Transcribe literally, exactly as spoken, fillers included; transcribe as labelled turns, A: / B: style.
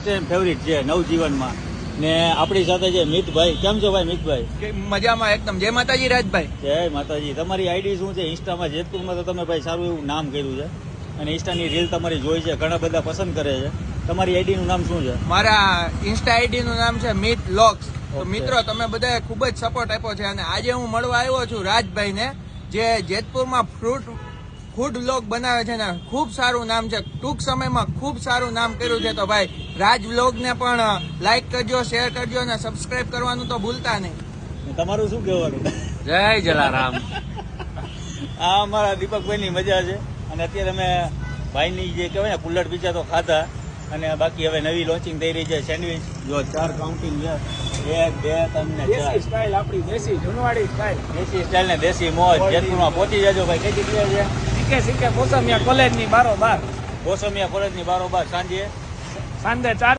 A: Favourite છે નવજીવનમાં ને આપણી સાથે છે મિતભાઈ. કેમ છો ભાઈ મિતભાઈ?
B: મજામાં એકદમ. જય માતાજી રાજભાઈ.
A: જય માતાજી. તમારી આઈડી શું છે ઇન્સ્ટામાં? જેતપુરમાં તો તમે ભાઈ સારું એવું નામ કર્યું છે અને ઇન્સ્ટાની રીલ તમારી જોઈ છે, ઘણા બધા પસંદ કરે છે. તમારી આઈડી નું નામ શું છે?
B: મારા ઇન્સ્ટા આઈડી નું નામ છે મિત લોક્સ. તો મિત્રો તમે બધાએ ખૂબ જ સપોર્ટ આપ્યો છે અને આજે હું મળવા આવ્યો છું રાજભાઈ ને, જે જેતપુરમાં ફ્રૂટ ફૂડ વ્લોગ બનાવે છે ને ખૂબ સારું નામ છે. ટૂંક સમયમાં ખૂબ સારું નામ કર્યું છે. તો ભાઈ રાજ વ્લોગ ને પણ લાઈક કરજો, શેર કરજો અને સબસ્ક્રાઇબ કરવાનું તો ભૂલતા નહીં.
A: તમારું શું કહેવાનું?
B: જય જલારામ.
A: આ અમારા દીપકભાઈ ની મજા છે અને અત્યારે અમે ભાઈની જે કહેવાય ને કુલ્લડ પીઝા તો ખાધા અને બાકી હવે નવી લોન્ચિંગ થઈ રહી છે સેન્ડવિચ. જો ચાર કાઉન્ટિંગ છે, એક બે ત્રણ ને ચાર.
C: સ્ટાઇલ આપણી દેશી જૂનવાડી સ્ટાઇલ.
A: દેશી સ્ટાઇલ ને દેશી મોજ. જેતપુરમાં પહોંચી જજો ભાઈ. કઈ જગ્યાએ છે?
C: શીખે શીખે મોસમિયા કોલેજ ની બારો બાર
A: કોસમિયા કોલેજ ની બારોબાર સાંજે
C: સાંજે ચાર